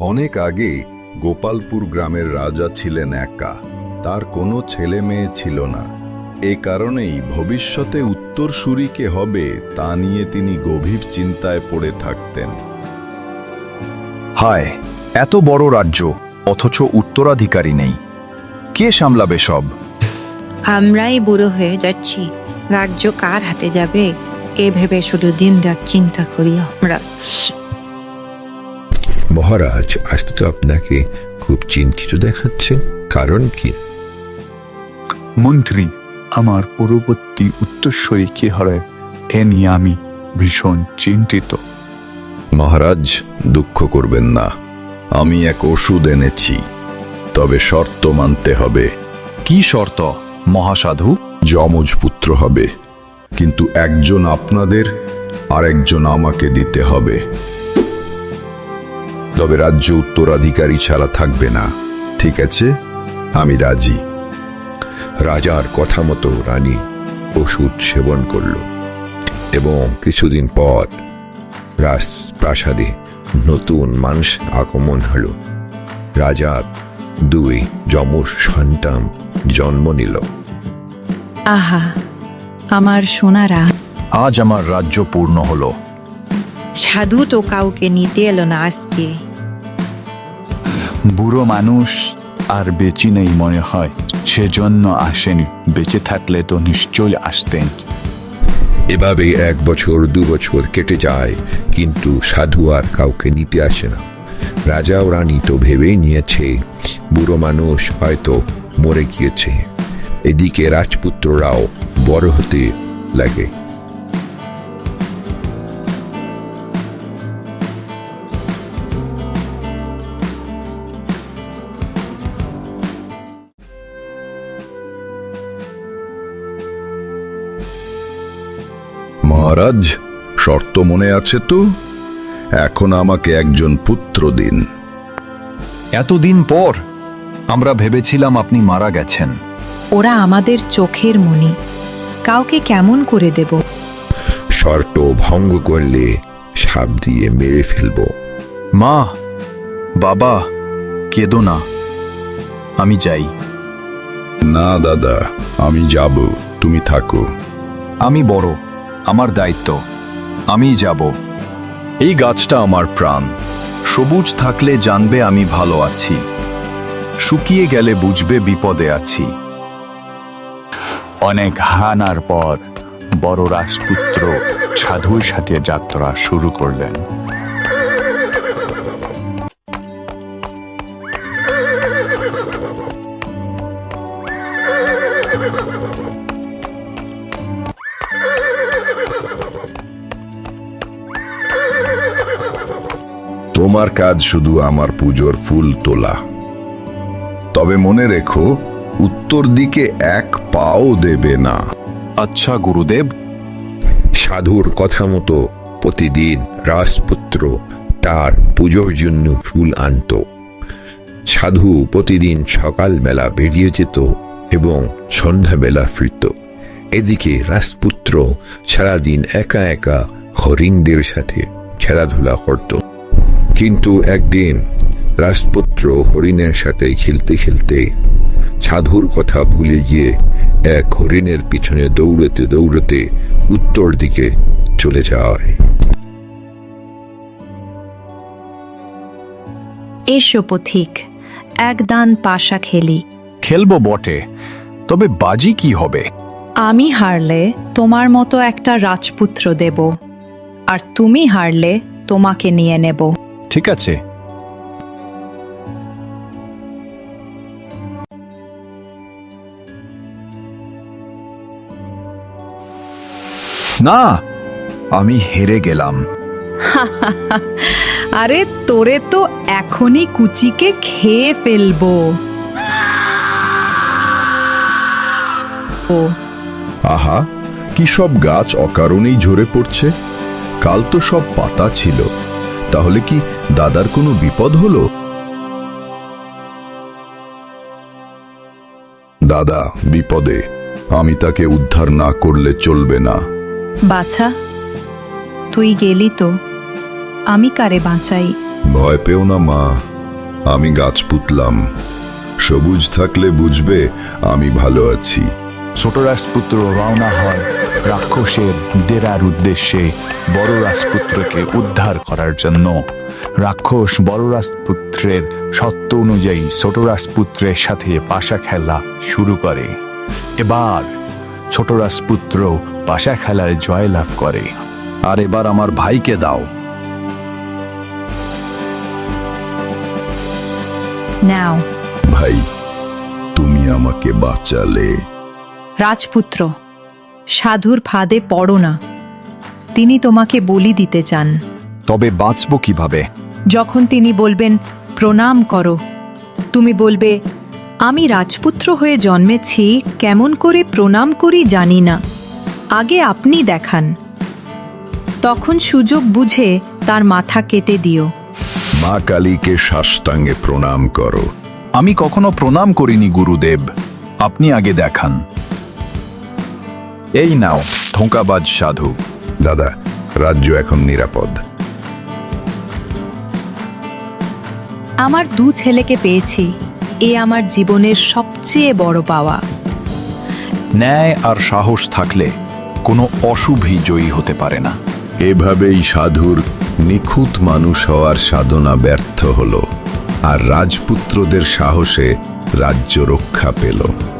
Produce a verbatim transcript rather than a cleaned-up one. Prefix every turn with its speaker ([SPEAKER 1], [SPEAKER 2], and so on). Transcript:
[SPEAKER 1] অনেক আগে গোপালপুর গ্রামের রাজা ছিলেন একা। তার কোনো ছেলে মেয়ে ছিল না। এ কারণেই ভবিষ্যতে উত্তরসূরি কে হবে তা নিয়ে তিনি গভীর চিন্তায় পড়ে থাকতেন।
[SPEAKER 2] হায়, এত বড় রাজ্য, অথচ উত্তরাধিকারী নেই। কে সামলাবে সব?
[SPEAKER 3] আমরাই বুড়ো হয়ে যাচ্ছি, রাজ্য কার হাতে যাবে এ ভেবে শুধু দিন রাত চিন্তা করি আমরা।
[SPEAKER 4] মহারাজ, আজ তো আপনাকে খুব চিন্তিত দেখাচ্ছে, কারণ কি?
[SPEAKER 5] মন্ত্রী, আমার পূর্ববর্তী উত্তরসূরি কি হবে এ নিয়ে আমি ভীষণ চিন্তিত।
[SPEAKER 1] মহারাজ, দুঃখ করবেন না, আমি এক ওষুধ এনেছি, তবে শর্ত মানতে হবে।
[SPEAKER 2] কি শর্ত মহাসাধু?
[SPEAKER 1] যমজ পুত্র হবে, কিন্তু একজন আপনাদের আর একজন আমাকে দিতে হবে। তবে রাজ্য উত্তরাধিকারী ছাড়া থাকবে না। ঠিক আছে, আমি রাজি।
[SPEAKER 4] রাজার কথা মতো রানী ওষুধ সেবন করল এবং কিছুদিন পর রাজপ্রাসাদে নতুন মানুষ আগমন হল। রাজার দুই যমজ সন্তান জন্ম নিল।
[SPEAKER 3] আহা, আমার সোনারা।
[SPEAKER 2] আজ আমার রাজ্য পূর্ণ হলো।
[SPEAKER 3] সাধু তো কাউকে নিতে এলো না আজকে।
[SPEAKER 5] বুড়ো মানুষ আর বেঁচে নেই মনে হয়, সেজন্য আসেনি। বেঁচে থাকলে তো নিশ্চয়ই আসতেন।
[SPEAKER 4] এভাবে এক বছর দু বছর কেটে যায়, কিন্তু সাধু আর কাউকে নিতে আসে না। রাজা ও রানী তো ভেবেই নিয়েছে বুড়ো মানুষ হয়তো মরে গিয়েছে। এদিকে রাজপুত্ররাও বড় হতে লাগে।
[SPEAKER 1] মহারাজ, শর্ত মনে আছে তো? এখন আমাকে একজন পুত্র দিন।
[SPEAKER 2] এতদিন পর আমরা ভেবেছিলাম আপনি মারা গেছেন।
[SPEAKER 6] ওরা আমাদের চোখের মণি, কাউকে কেমন করে দেব?
[SPEAKER 4] শর্ত ভঙ্গ করলে সাপ দিয়ে মেরে ফেলব।
[SPEAKER 2] মা, বাবা, কেঁদো না, আমি যাই।
[SPEAKER 1] না দাদা, আমি যাব, তুমি থাকো।
[SPEAKER 2] আমি বড়, আমার দায়িত্ব, আমি যাব। এই গাছটা আমার প্রাণ। সবুজ থাকলে জানবে আমি ভালো আছি, শুকিয়ে গেলে বুঝবে বিপদে আছি।
[SPEAKER 5] অনেক হানার পর বড় রাজপুত্র সাধুর সাথে যাত্রা শুরু করলেন।
[SPEAKER 1] তোমার কাজ শুধু আমার পুজোর ফুল তোলা। তবে মনে রেখো, উত্তর দিকে এক পাও দেবে না।
[SPEAKER 2] আচ্ছা গুরুদেব।
[SPEAKER 4] সাধুর কথা মতো প্রতিদিন রাজপুত্র তার পুজোর জন্য ফুল আনত। সাধু প্রতিদিন সকালবেলা বেরিয়ে যেত এবং সন্ধ্যাবেলা ফিরত। এদিকে রাজপুত্র সারাদিন একা একা হরিণদের সাথে খেলাধুলা করত। কিন্তু একদিন রাজপুত্র হরিণের সাথে খেলতে খেলতে সাধুর কথা ভুলে গিয়ে এক হরিণের পিছনে দৌড়তে দৌড়তে উত্তর দিকে চলে যায়।
[SPEAKER 6] এসো পথিক, এক দান পাশা খেলি।
[SPEAKER 2] খেলবো বটে, তবে বাজি কি হবে?
[SPEAKER 6] আমি হারলে তোমার মতো একটা রাজপুত্র দেব, আর তুমি হারলে তোমাকে নিয়ে নেব।
[SPEAKER 2] ঠিক আছে। না, আমি হেরে গেলাম।
[SPEAKER 6] আরে তোরে তো এখনই কুচিকে খেয়ে ফেলবো। ও
[SPEAKER 1] আহা, কি সব গাছ অকারণেই ঝরে পড়ছে। কাল তো সব পাতা ছিল, তাহলে কি দাদার কোনো বিপদ হলো? দাদা বিপদে, আমি তাকে উদ্ধার না করলে চলবে না।
[SPEAKER 6] বাছা, তুই গেলি তো, আমি কারে বাঁচাই?
[SPEAKER 1] ভয় পেও না মা, আমি গাছ পুতলাম, সবুজ থাকলে বুঝবে আমি ভালো আছি।
[SPEAKER 5] ছোট রাজপুত্র রওনা হয় রাক্ষসের ডেরার উদ্দেশ্যে বড় রাজপুত্রকে উদ্ধার করার জন্য। রাক্ষস বড় রাজপুত্রের সত্য অনুযায়ী ছোট রাজপুত্রের সাথে পাশা খেলা শুরু করে। এবার ছোট রাজপুত্র পাশা খেলায় জয়লাভ করে।
[SPEAKER 2] আর এবার আমার ভাইকে দাও।
[SPEAKER 6] নাও।
[SPEAKER 1] ভাই, তুমি আমাকে বাঁচালে।
[SPEAKER 6] রাজপুত্র, সাধুর ফাঁদে পড়ো না। তিনি তোমাকে বলি দিতে চান।
[SPEAKER 2] তবে বাঁচব কিভাবে?
[SPEAKER 6] যখন তিনি বলবেন প্রণাম করো, তুমি বলবে আমি রাজপুত্র হয়ে জন্মেছি, কেমন করে প্রণাম করি জানি না, আগে আপনি দেখান। তখন সুযোগ বুঝে তার মাথা কেটে দিও।
[SPEAKER 1] মা কালীকে সাষ্টাঙ্গে প্রণাম করো।
[SPEAKER 2] আমি কখনো প্রণাম করিনি গুরুদেব, আপনি আগে দেখান। এই নাও ধোঁকাবাজ সাধু।
[SPEAKER 1] দাদা, রাজ্য এখন নিরাপদ।
[SPEAKER 6] আমার দু ছেলেকে পেয়েছি, এ আমার জীবনের সবচেয়ে বড় পাওয়া।
[SPEAKER 2] ন্যায় আর সাহস থাকলে কোনো অশুভই জয়ী হতে পারে না।
[SPEAKER 1] এভাবেই সাধুর নিখুঁত মানুষ হওয়ার সাধনা ব্যর্থ হল, আর রাজপুত্রদের সাহসে রাজ্য রক্ষা পেল।